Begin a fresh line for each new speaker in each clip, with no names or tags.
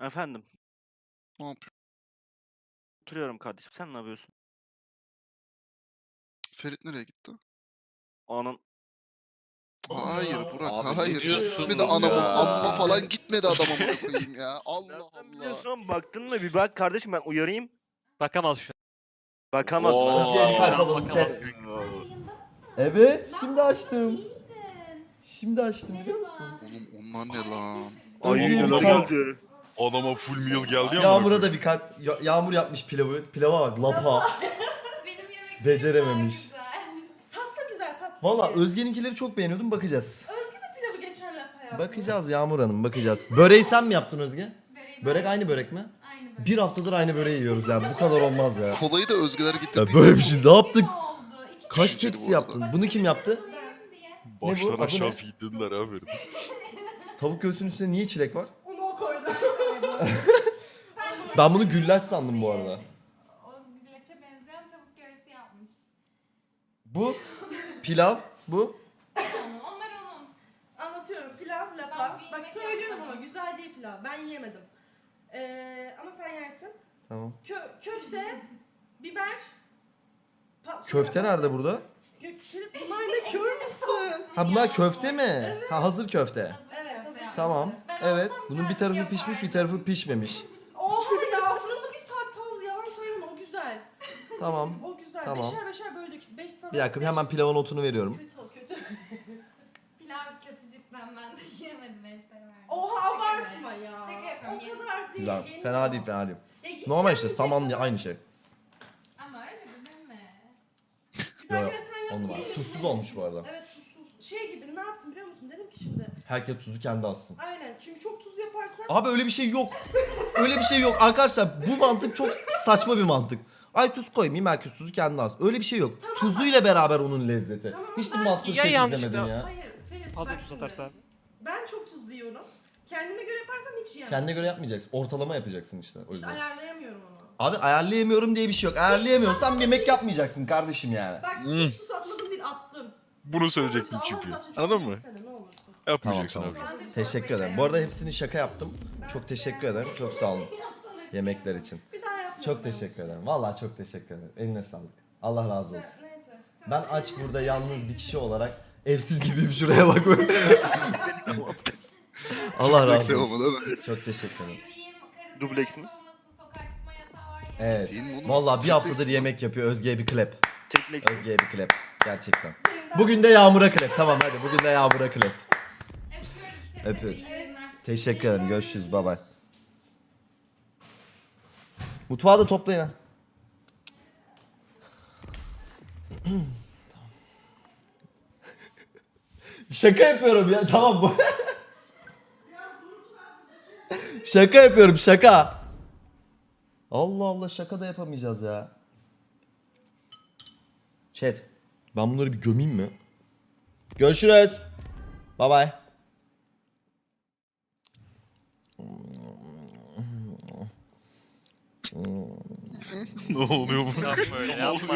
Efendim,
Ne yapıyor?
oturuyorum kardeşim. Sen ne yapıyorsun?
Ferit nereye gitti?
Anın
Hayır Burak,
Abi ne
hayır. Gitmedi
diyorsunuz
anamı
ya?
amma falan gitmedi adam amına koyayım ya. Allah
nereden
Allah.
biliyorsun oğlum? Baktın mı? Bir bak kardeşim, ben uyarayım.
Bakamaz şu an.
Bakamaz.
Özge'ye bir kalp
alalım, chat.
Evet, şimdi açtım. Şimdi açtım biliyor musun?
Oğlum onlar ne lan?
Ay
Özge'ye bir
neler
kalp.
geldi.
Adama full meal geldi ya.
Yağmur'a da bir kalp. Yağmur yapmış pilavı. Pilava bak, lapa.
Benim yemeklerim
Becerememiş.
daha güzel.
Tatlı güzel tatlı.
Valla Özge'ninkileri çok beğeniyordum, bakacağız.
Pilavı geçen lapa yaptı.
Bakacağız Yağmur Hanım, bakacağız. Böreği sen mi yaptın Özge?
Böreği
Börek
ben-
aynı börek mi?
Aynı börek.
Bir haftadır aynı böreği yiyoruz ya. Bu kadar olmaz ya.
Kolayı da Özgeler
Ya
getirdiyse.
böyle bir şey ne yaptık?
Kim oldu? İki
Kaç
Düşünceli
tepsi
bu arada.
yaptın? Bunu kim yaptı?
doyurayım diye.
Baştan
Ne bu? Adı
aşağı
ne?
feedlediler abi.
Tavuk göğsünün üstüne niye çilek var?
Onu o koydu.
Ben bunu güllaç sandım bu arada.
O güllaça benzeyen tavuk göğsü yapmış.
Bu pilav, bu.
Onlar onun.
Anlatıyorum pilav
Ben
lapa.
bir
Bak
yemek
söylüyorum ama
yapmadım.
güzel değil pilav. Ben yiyemedim. Ama sen yersin.
Tamam.
Köfte, biber.
Köfte nerede burada?
Bunlar ne kör müsün?
Ha bunlar köfte mi? Ha hazır köfte.
Evet, hazır.
Tamam.
Ben
Evet.
olsam
Bunun bir
kendi
tarafı
yapardım.
pişmiş, bir tarafı pişmemiş.
Oha ya fırında bir saat kaldı. Yalan söyleme o güzel.
Tamam.
O güzel.
Tamam.
Beşer beşer böldük. 5 sana.
Bir dakika hemen pilavın notunu veriyorum.
Kötü o kötü.
Pilav kötücükten ben de yiyemedim en severdim.
Oha
Şaka
abartma
be.
ya.
Şaka yapıyorum.
O
yedim.
kadar değil.
Güzel.
yeniyor.
Fena değil, fena değil.
Hiç
Normal işte
yenmeyecek
saman
kadar.
aynı şey.
Ama öyle de deme.
Bir dahakine sen yap.
Onu var.
yiyelim.
Tuzsuz olmuş bu arada.
Evet tuzsuz. Şey gibi ne yaptım biliyor musun? Dedim ki şimdi.
Herkes tuzu kendi alsın.
Aynen çünkü çok tuz yaparsan.
Abi öyle bir şey yok. Öyle bir şey yok. Arkadaşlar bu mantık çok saçma bir mantık. Ay tuz koymayayım, herkes tuzu kendi alsın. Öyle bir şey yok. Tuzuyla beraber onun lezzeti.
Tamam,
Hiç de
ben-
Masterchef
yanlışlıkla-
izlemedin ya.
Hayır Ferit
Fazla
bak
tuz
şimdi.
atarsa.
Ben çok tuzlu yiyorum. Kendime göre yaparsam hiç yiyemem.
Kendine göre yapmayacaksın. Ortalama yapacaksın işte o
İşte
yüzden.
ayarlayamıyorum onu.
Abi ayarlayamıyorum diye bir şey yok. Ayarlayamıyorsan yemek yapmayacaksın kardeşim yani.
Bak hiç tuz atmadım değil attım.
Bunu söyleyecektim
Allah
çünkü.
rızası için
Anladın
çok
mı?
yesene, ne olursun.
Yapmayacaksın
Tamam,
abi.
Ben de
Teşekkür
çorbayı
ederim. Bu arada
beğendim.
hepsini şaka yaptım. Çok teşekkür ederim. Çok sağ olun yemekler için.
Bir daha yapmayalım.
Çok teşekkür ederim. Vallahi çok teşekkür ederim. Eline sağlık. Allah razı olsun.
Neyse.
Ben aç burada yalnız bir kişi olarak evsiz gibiyim, şuraya bak. Allah razı
Neyse
olsun.
olmadı değil mi?
Çok teşekkür ederim.
Yürüyeyim, karı
Dubleks
ziyaret
mi?
olmasın, sokağa çıkma yasağı var ya.
Evet.
Değil mi oğlum?
Vallahi bir haftadır
Triplex'in
yemek yapıyor. Özge'ye bir klep.
Triplek.
Özge'ye bir klep. Gerçekten. Bugün de Yağmur'a klep. Tamam hadi bugün de Yağmur'a klep.
Öpüyoruz chat'e.
Öpüyorum.
İyi günler.
Teşekkür ederim. Görüşürüz. Bay bay. Mutfağı da toplayın ha. Şaka yapıyorum ya. Tamam bu. Şaka yapıyorum şaka. Allah Allah şaka da yapamayacağız ya. Chat. Ben bunları bir gömeyim mi? Görüşürüz. Bye bye.
Ne oluyor bu?
Yapma öyle yapma.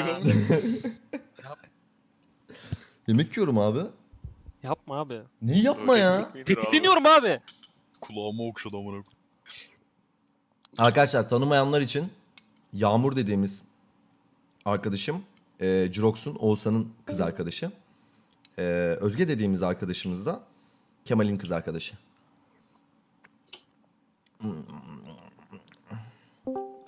Yemek yiyorum abi.
Yapma abi.
Neyi yapma ya?
Tetikleniyorum abi.
Kulağıma okşadı amına koyayım.
Arkadaşlar tanımayanlar için Yağmur dediğimiz arkadaşım Jurox'un, Oğuzhan'ın kız arkadaşı. Özge dediğimiz arkadaşımız da Kemal'in kız arkadaşı.